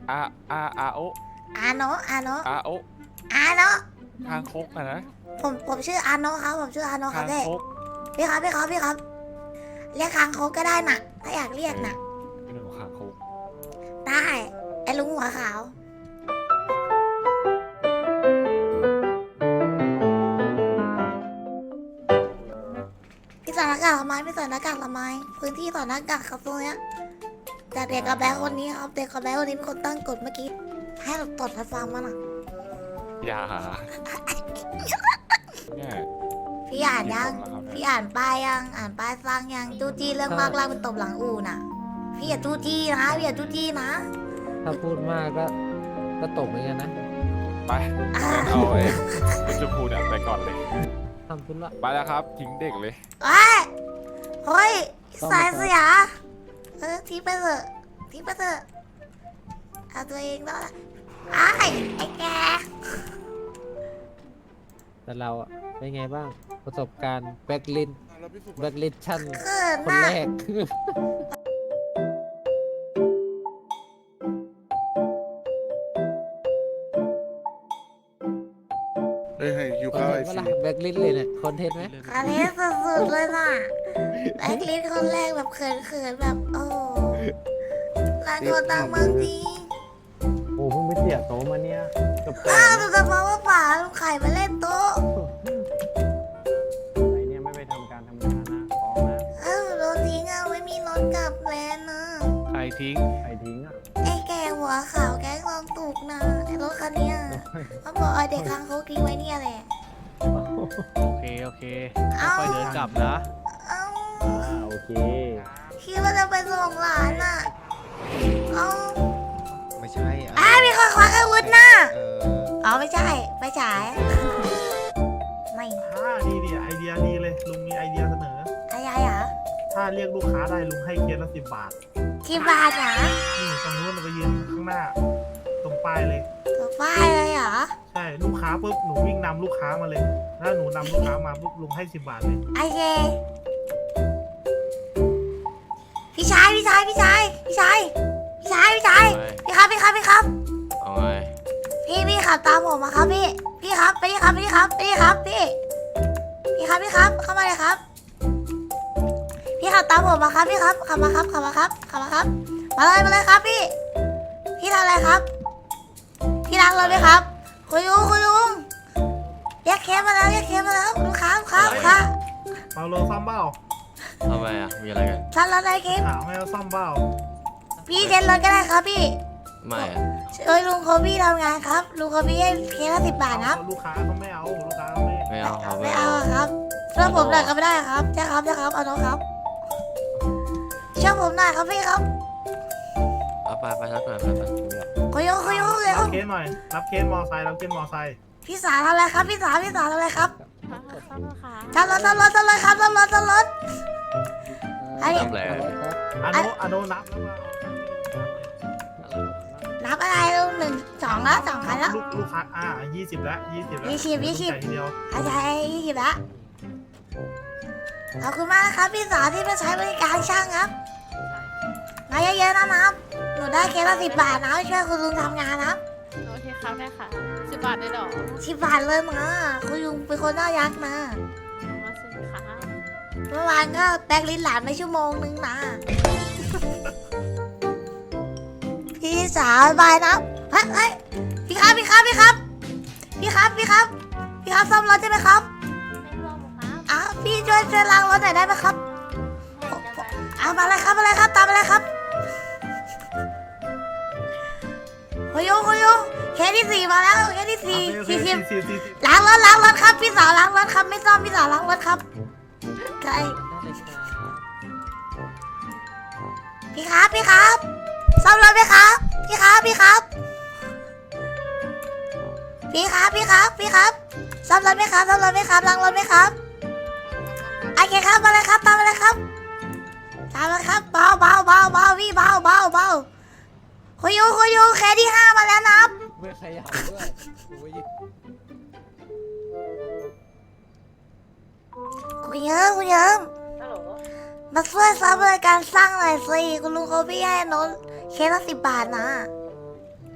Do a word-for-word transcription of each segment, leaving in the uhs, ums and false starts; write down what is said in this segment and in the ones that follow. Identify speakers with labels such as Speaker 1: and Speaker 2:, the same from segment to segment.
Speaker 1: อาอาอาโอ
Speaker 2: อาโนะอาโนะ
Speaker 1: อาโอ
Speaker 2: อาโนะ
Speaker 1: ทางคกอะนะ
Speaker 2: ผมผมชื่ออาโนะครับผมชื่ออาโนะครั
Speaker 1: ทา
Speaker 2: บ
Speaker 1: ง
Speaker 2: พี่
Speaker 1: คก
Speaker 2: พี่ครับพี่ครับพี่ครับเรียกคางคกก็ได้น่ะถ้าอยากเรียกน่ะ
Speaker 1: เป็นหนึ่งของทางคก
Speaker 2: ได้ไอ้ลุงหัวขาวพี่ใส่หน้ากากทำไมพี่ใส่หน้ากากทำไมพื้นที่ใส่หน้ากากครับตรงเนี้ยจากเด็กกับแบ๊คนนี้ครับเด็กกับแบ๊คนนี้เป็นคนตั้งกฎเมื่อกี้ให้เราตดให้ฟังมาน่ะ
Speaker 1: อย่าเนี่ย
Speaker 2: พี่อ่านยัง
Speaker 1: กี่คนแล้วครับเนี่ย
Speaker 2: พี่อ่านป้ายยัง อ่านป้ายฟังยังจู้จี้เรื่องมากลากเป็นตบหลังอู่น่ะ พี่อย่าจู้จี้นะ พี่อย่าจู้จี้นะ
Speaker 3: ถ้าพูดมากก็ก็ตกเหมือนกันนะ
Speaker 1: ไปงั้นเอาไอ้เป็นชมพูเนี่ยไปก่อนเลย
Speaker 3: ทำธุระ
Speaker 1: ไปแล้วครับทิ้งเด็กเลย
Speaker 2: เฮ้ยเฮ้ยสายเสียเออทิ้งไปเถอะทิ้งไปเถอะเอาตัวเองแล้วล่ะไอ้ไอ้แก
Speaker 3: แต่เราอะเป็นไงบ้างประสบการณ์แบ็กลินแบ็กลินชั่น
Speaker 2: เขิน
Speaker 3: คน
Speaker 2: น่ะ
Speaker 3: แรก
Speaker 4: เฮ้ยให้หิว
Speaker 3: คอน
Speaker 4: ข้าว
Speaker 3: เท
Speaker 4: ไอน
Speaker 3: ต์เว
Speaker 4: ซี
Speaker 3: ลาแบ็กลินเลยเนี่ยคอนเทนต์ไหม
Speaker 2: คาเทสสุดๆเลยน่ะแบล็คลิสต์คนแรกแบบเขินๆแบบโอ้ร้านโกตังเมืองจริง
Speaker 5: โอ้เพิ่งไปเสียโต๊ะมาเนี่ยกับแก
Speaker 2: อ้าวดูจะมาว่าป่าลุงไข่มาเล่นโต๊ะ
Speaker 5: อะไรเนี่ยไม่ไปทำการทำงานนะฟ้องนะ
Speaker 2: อ้าวโดนทิ้งอ่ะไม่มีรถกลับแลนด์นะ
Speaker 1: ใครทิ้ง
Speaker 5: ใครทิ้งอ่ะ
Speaker 2: ไอ้แกหัวขาวแก๊งลองตูกนะไอ้รถคันเนี้ยเขาบอกเอาเด็กค้างเขาทิ้งไว้เนี่ยแหละ
Speaker 6: โอเค โอเค
Speaker 2: เอ้า
Speaker 6: ค่อยๆเดินกลับนะ
Speaker 2: เอ้า
Speaker 5: อ่าโอเค
Speaker 2: คิดว่าจะไปส่งหลานอ่ะเอ้า
Speaker 7: ไม่ใช่อ่ะ
Speaker 2: อ้าวมีคนควักอาวุธนะ
Speaker 7: เออ
Speaker 2: อ๋อไม่ใช่ไปฉายไม่
Speaker 8: ถ้าดีดีไอเดียดีเลยลุงมีไอเดียเสนอ
Speaker 2: อะไรเหรอ
Speaker 8: ถ้าเรียกลูกค้าได้ลุงให้เคสละสิบบาท
Speaker 2: กี่บาทเหรอ
Speaker 8: นี่ตรงนู้นเราไปยืนข้างหน้า ตรงป้ายเลย
Speaker 2: ตัวป้ายเลยเหรอ
Speaker 8: ใช่ลูกค้าปุ๊บหนูวิ่งนำลูกค้ามาเลยถ้าหนูนำลูกค้ามาปุ๊บลุงให้สิบบาทเลย
Speaker 2: โอเคพี่ชายพี่ชายพี่ชายพี่ชายพี่ชายพี่ชายพี่ครับพี่ครับพี่ครับ
Speaker 1: เอาไง
Speaker 2: พี่พี่ขับตามผมมาครับพี่พี่ครับไปนี่ครับไปนี่ครับไปนี่ครับพี่พี่ครับพี่ครับเข้ามาเลยครับพี่ขับตามผมมาครับพี่ครับขับมาครับขับมาครับขับมาครับมาเลยมาเลยครับพี่พี่ทำอะไรครับพี่ล้างรถไหมครับคุณลุงคุณลุงเรียกเคสมาแล้วเรียกเคสมาแล้วลูกค้าลูกค้าลูกค้า
Speaker 8: เปาโลซ่อมเบ้า
Speaker 1: ทำไมอ่ะมีอะไรกัน
Speaker 2: ทันรถอะไรเคส
Speaker 8: ถามให้เราซ่อมเบ้า
Speaker 2: พี่เช็ดรถก็ได้ครับพี่
Speaker 1: ไม่อ่ะ
Speaker 2: ช่วยลุงโคบี้ทำงานครับลุงโคบี้ให้เคสละสิบบาทนะครับ
Speaker 8: ลูกค้าเขาไม่เอาลูกค้าเขาไม่
Speaker 1: ไม่เอาครับ
Speaker 2: ไม่เอาอะครับช่วยผมหน่อยก็ไม่ได้ครับใช่ครับใช่ครับเอาน้องครับช่วยผมหน่อยครับพี่ครับ
Speaker 1: เอาไปไปรับหน่อยไปไป
Speaker 2: คุยโยคุยโยคุยโย
Speaker 8: รับเคสหน่อยรับเคสมอไซค์รับเคสมอไซค์
Speaker 2: พี่สาวทำอะไรครับพี่สาวพี่สาวทำอะไรครับ
Speaker 9: ซ่อมค่ะ
Speaker 2: ทำรถทำรถทำรถครับทำรถทำรถ ไอ้
Speaker 3: ทำอะไรครับ
Speaker 8: อโนอโนนับแล้วว่า
Speaker 2: นับอะไรลุงหนึ่งสองแล้วสองคันแล้ว
Speaker 8: ลูกลูกค้าอ่ายี่สิบแล้วยี่สิบแล้ว
Speaker 2: ยี่สิบยี่สิบ
Speaker 8: จ่ายทีเดียว
Speaker 2: อาจารย์ยี่สิบละขอบคุณมากนะครับพี่สาวที่มาใช้บริการช่างครับมาเยอะๆนะครับหนูได้เคสละสิบบาทนะช่วยคุณลุงทำงานนะครับ
Speaker 9: โอเคครับได้ค่ะสิบบาทได้หรอ
Speaker 2: สิบบาทเลยนะคุณลุงเป็นคนน่ารักนะ
Speaker 9: มาสิค่ะ
Speaker 2: เมื่อวานก็แบกลิ้นหลานไปชั่วโมงนึงนะ พี่สาวบายนะเฮ้ยเฮ้ยพี่ครับพี่ครับพี่ครับ พี่ครับพี่ครับ พี่ครับซ่อมรถใช่ไหมครับ
Speaker 9: ไม่ร่วมครับ
Speaker 2: อ้าวพี่ช่วยช่วยล้างรถหน่อยได้ไหมครับเอามาเลยครับมาเลยครับตามมาเลยครับโฮโยโฮโยเคสที่สี่มาแล้วเคสที่สี่
Speaker 8: โอเค
Speaker 2: สี่สิบ
Speaker 8: สี่สิบ
Speaker 2: ล้างรถล้างรถครับพี่สาวล้างรถครับไม่ซ่อมพี่สาวล้างรถครับใช่พี่ครับพี่ครับซ่อมรถไหมครับพี่ครับพี่ครับพี่ครับพี่ครับพี่ครับซ่อมรถไหมครับซ่อมรถไหมครับล้างรถไหมครับโอเคครับมาเลยครับตามมาเลยครับตามมาครับเบาเบาเบาเบาพี่เบาเบาเบาคุยยูคุยยูแค่ที่ห้ามาแล้วนะครับ
Speaker 3: ไม่ขยับด้วยโอ้ย
Speaker 2: คุณเยิ้มคุณเยิ้มมาช่วยซับบริการสร้างหน่อยสิคุณลุงเขาพี่ให้โน้ตเคสละสิบบาทนะ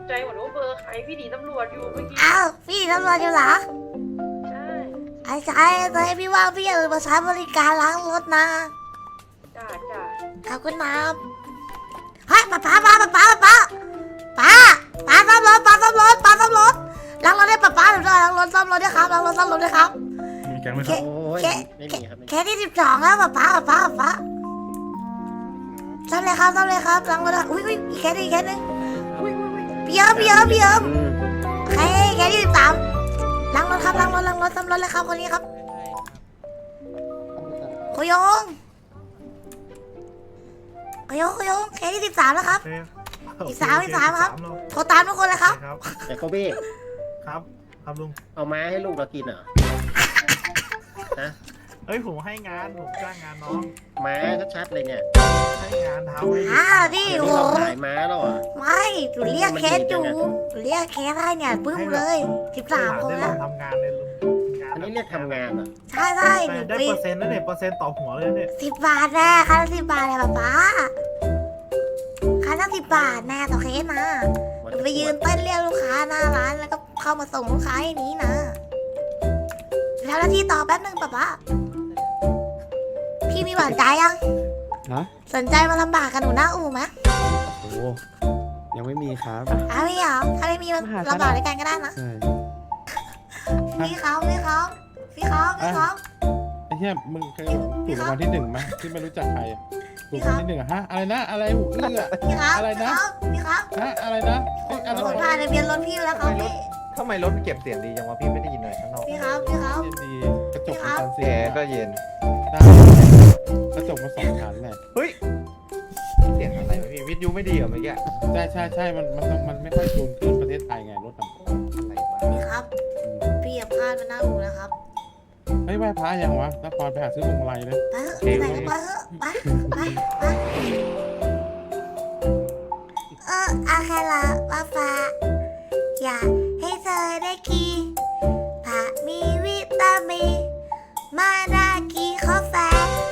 Speaker 10: ใจหมดว่าเบอร์ใครพี่หนีตำรวจอยู่เมื่อกี้
Speaker 2: อ้าวพี่ตำรวจอยู่เหรอ
Speaker 10: ใช่
Speaker 2: ไอ้ชายตอนให้พี่ว่างพี่อย่าลืมมาใช้บริการล้างรถนะ
Speaker 10: จ้าจ้า
Speaker 2: ขอบคุณนะเฮ้ยป้าป้าป้าป้าป้าป้าป้าป้าซ่อมรถป้าซ่อมรถป้าซ่อมรถล้างรถให้ป้าป้าหน่อยด้วยล้างรถซ่อมรถด้วยครับล้างรถซ่อมรถด้วยครับ
Speaker 8: มีแกงไหมครับ
Speaker 7: โอ้ย
Speaker 2: แค่
Speaker 7: ไม่มีครับไม่มี
Speaker 2: แค่ที่สิบสองแล้วป้าป้าป้าป้าป้าซ่อมเลยครับซ่อมเลยครับล้างรถด้วยอุ้ยอุ้ยอีกแค่นึงอีกแค่นึงพี่เอิบพี่เอิบพี่เอิบใครแค่ที่สิบสามล้างรถครับล้างรถล้างรถซ่อมรถเลยครับคนนี้ครับโคยงโคยงโคยงแค่ที่สิบสามแล้วครับ
Speaker 8: โอเค
Speaker 2: อีกสามอีกสามครับ
Speaker 8: โอเ
Speaker 2: โทรตามทุกคนเลยครับ
Speaker 8: ครับ
Speaker 7: แต่โคบี้
Speaker 8: ครับครับลุง
Speaker 7: เอาม้าให้ลูกเรากินเหรอฮะ
Speaker 8: เอ้ยผมให้งานผมจ้างงานน้อง
Speaker 7: ม้าชัดๆเลยเนี่ย
Speaker 8: ให้งานทำให้
Speaker 2: อ่าพี่
Speaker 7: เดี๋ยว
Speaker 2: โห
Speaker 7: นี้เราขายม้าแล้วเหรอ
Speaker 2: ไม่หนูเรียกเคสอยู่หนูเรียกเคสให้เนี่ยปึ้มเลยสิบสามคน
Speaker 8: ได้ล
Speaker 2: แล้
Speaker 8: อ
Speaker 2: ว
Speaker 8: งทำงานเลยลุงงาน
Speaker 7: อันนี้เรียกทำงานเหรอ
Speaker 2: ใช่ใช่หนู
Speaker 8: ได้
Speaker 2: ไป
Speaker 8: เปอร์เซ็นต์นะเนี่ยเปอร์เซ็นต์ต่อหัวเลยเนี่ย
Speaker 2: สิบบาทแน่ค่าสิบบาทเลยป๊าป๊าค่าตั้งสิบบาทแน่ต่อเคสนะหนูไปยืนเต้นเรียกลูกค้าหน้าร้านแล้วก็เข้ามาส่งลูกค้าอย่างนี้นะแล้วหน้าที่ต่อแป๊บนึงป๊าป๊าพี่มีหวานใจยัง
Speaker 3: ฮะ
Speaker 2: สนใจมาลำบากกับหนูหน้าอู่ไหม
Speaker 3: โอ้ยังไม่มีครับ
Speaker 2: อ้าวไม่เหรอถ้าไม่มีมันลำบากด้วยกันก็ได้นะ
Speaker 3: ใช่
Speaker 2: พี่เขาพี่เขาพี่เขาพี่เขา
Speaker 1: ไอ้เหี้ยมึงเคยถูกรางวัลที่หนึ่งไหมที่ไม่รู้จักใครอะถูกรางวัลที่หนึ่งอะฮะอะไรนะอะไรหูอื้ออะ
Speaker 2: พี่ครับ
Speaker 1: อะไรนะ
Speaker 2: พี่ครับ
Speaker 1: ฮะอะไรนะเอ้ยอะไร
Speaker 2: ผม
Speaker 1: วะ
Speaker 2: ผ่านทะเบียนรถพี่แล้วครับพี่
Speaker 5: ทำไมรถเก็บเสียงดีจังวะพี่ไม่ได้ยินเลยข้างนอก
Speaker 2: พี่ครับพี่ครับ
Speaker 1: เย็นดีกระจกมันกันเสี
Speaker 5: แก
Speaker 1: ยง
Speaker 5: ก็เย็น
Speaker 1: ได้กระจกมาสองชั้นเลย
Speaker 5: เฮ้ย เสียงอะไรวะพี่วิทยุไม่ดีเหรอเมื่อกี้
Speaker 1: ใช่ใช่ใช่มันมันต้องมันไม่ค่อยจูนขึ้นประเทศไทยไงรถอะ
Speaker 5: อะไรวะ
Speaker 2: พี่ครับ พี่อย่าพลาดมาหน้าอู่นะครับ
Speaker 1: เฮ้ยไหว้พระยังวะนครไปหาซื้อพวงมาลัยเลย
Speaker 2: ไปเถอะไปไหนก็ไปเถอะไปไปไปเอออาคาราว่าฟ้าอยากให้เธอได้กินผักมีวิตามินมาดากีกาแฟ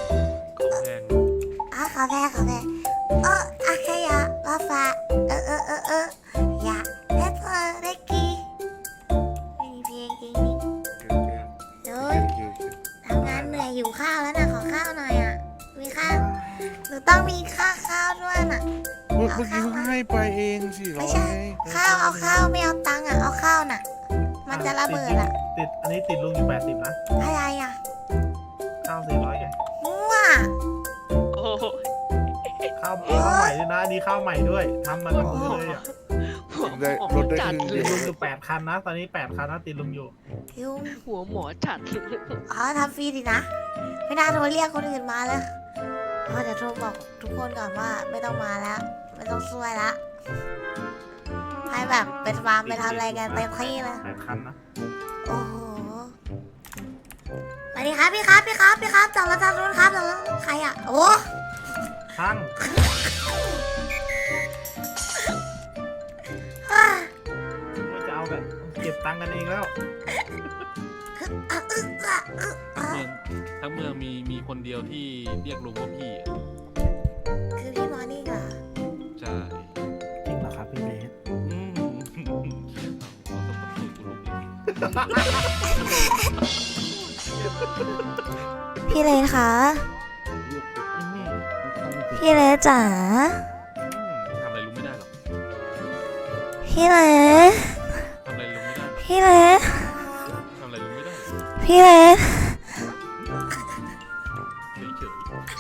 Speaker 2: อ่ะกาแฟกาแฟเอออาคายาว่าฟ้าเออเออเออเอออยากให้เธอได้กินไม่มีเพลงจริงนี่โดยทำงานเหนื่อยหิวข้าวแล้วนะขอข้าวหน่อยอ่ะมีข้าวหนูต้องมีข้าวข้าวด้วยน่ะ
Speaker 4: เมื่อเมื่อกี้เพิ่งให้ไปเองสี่ร้
Speaker 2: ไม่
Speaker 4: อย
Speaker 2: ใช่ข้าวเอาข้าวไม่เอาตังค์อ่ะเอาข้าวน่ะ มันจะระเบิดอ่ะ
Speaker 8: ติดอันนี้ติดลุงอยู่แปดสิบนะ
Speaker 2: อะไรอ่ะ
Speaker 8: ข้าวสี่ร้อยแก
Speaker 2: มั่ว
Speaker 6: โอ้โห
Speaker 8: ข้าวข้าวใหม่ด้วยนะอันนี้ข้าวใหม่ด้วยทำมากับมือเลยอ่ะ
Speaker 6: หัวหม
Speaker 4: ได้
Speaker 6: อ
Speaker 4: รถได้
Speaker 6: จั
Speaker 4: ค
Speaker 6: ด
Speaker 4: รึ่ง
Speaker 6: เล
Speaker 4: เดี
Speaker 6: ย
Speaker 4: ยว
Speaker 8: ลุงอยู่แปดคันนะตอนนี้แปดคันนะติดลุงอยู่
Speaker 2: ยุง
Speaker 6: หัวหมอจัดเลย
Speaker 2: อ๋อทำฟรีดินะ ไม่น่าโทรเรียกคนอื่นมาเลยอ๋อเดี๋ยวโทรบอกทุกคนก่อนว่าไม่ต้องมาแล้ว ไม่ต้องช่วยละให้แบบไปฟาร์มไปทำอะไรกันเต็มที่เลย
Speaker 8: แปดคันนะ
Speaker 2: โอ้โหสวัสดีครับพี่ครับพี่ครับพี่ครับจากรถทางนู้นครับจากรถใครอ่ะโอ้
Speaker 8: ช่าง
Speaker 2: อ่ะ
Speaker 8: ไม่จะเอากันเก็บตังค์กันเองแล้ว
Speaker 2: อ่ะอึ๊ะอ่ะอึ๊ะอ่ะ
Speaker 1: ทั้งเมืองมีมีคนเดียวที่เรียกลุงว่าพี่อะ
Speaker 2: คือพี่มอร์นิ่งเหรอ
Speaker 1: ใช่
Speaker 8: จริงเหรอครับพี่เบส
Speaker 1: อืมเอาสมบัติสูตรกูลุงอีก
Speaker 2: พี่เลนคะ
Speaker 1: อืม
Speaker 2: พี่เลนจ๋า
Speaker 1: อืมทำอะไรลุงไม่ได้หรอก
Speaker 2: พี่เลน
Speaker 1: ทำอะไรลุงไม่ได้หรอก
Speaker 2: พี่เลน
Speaker 1: ทำอะไรลุงไม่ได้หรอก
Speaker 2: พี่เลน
Speaker 1: เฉย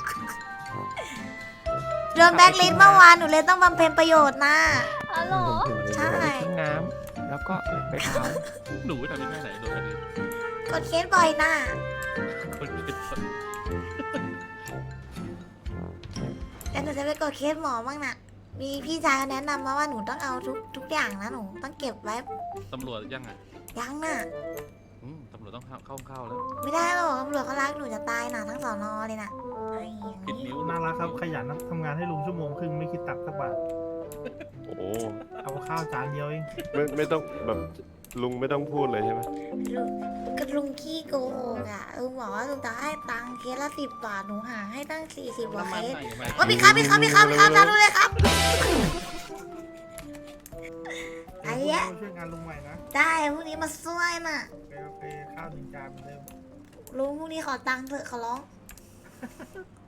Speaker 2: โดนแบล็คลิสต์เมื่อวานหนูเลยต้องบำเพ็ญประโยชน์นะ
Speaker 9: ฮัลโหล
Speaker 2: ใช่
Speaker 5: น้ำแล้วก็ไปเท้า
Speaker 1: ๆหนูทำยังไงไหนโดนกันดิ
Speaker 2: กดเคสบ่อยนะ
Speaker 1: คนเป็นสัตว์
Speaker 2: แล้วหนูจะไปกดเคสหมอบ้างนะมีพี่ชายเขาแนะนำมาว่าหนูต้องเอาทุกทุกอย่างนะหนูต้องเก็บไว้
Speaker 1: ตำรวจยังไง
Speaker 2: ยังน่ะ
Speaker 1: อืมตำรวจต้องเข้าเข้าเข้าแล้ว
Speaker 2: ไม่ได้หรอกตำรวจเขารักหนูจะตายนะทั้งสอนอเลยนะไอ้อย่าง
Speaker 1: ปิด
Speaker 2: นี้
Speaker 1: นิ้ว
Speaker 8: น่ารักครับขยันนะทำงานให้ลุงชั่วโมงครึ่งไม่คิดตักสักบาท
Speaker 11: โอ้
Speaker 8: เอาข้าวจานเดียวเอง
Speaker 11: ไม่ไม่ต้องแบบลุงไม่ต้องพูดเลยใช่ไหม
Speaker 2: ลุงก็ลุงขี้โกหกอ่ะลุงบอกว่าลุงจะให้ตังค์เคสละสิบบาทหนูหาให้ตั้งสี่สิบกว่าเคส ว่าพี่ครับพี่ครับพี่ครับพี่ครับทำดูเลยครับ
Speaker 8: านลุงใหม่นะ
Speaker 2: ได้พรุ่งนี้มาช่วยน่ะ
Speaker 8: โอเคโอเคข้าวหนึ่งจานเหมือนเดิม
Speaker 2: ลุงพรุ่งนี้ขอตังค์เถอะขอร้อง
Speaker 8: โ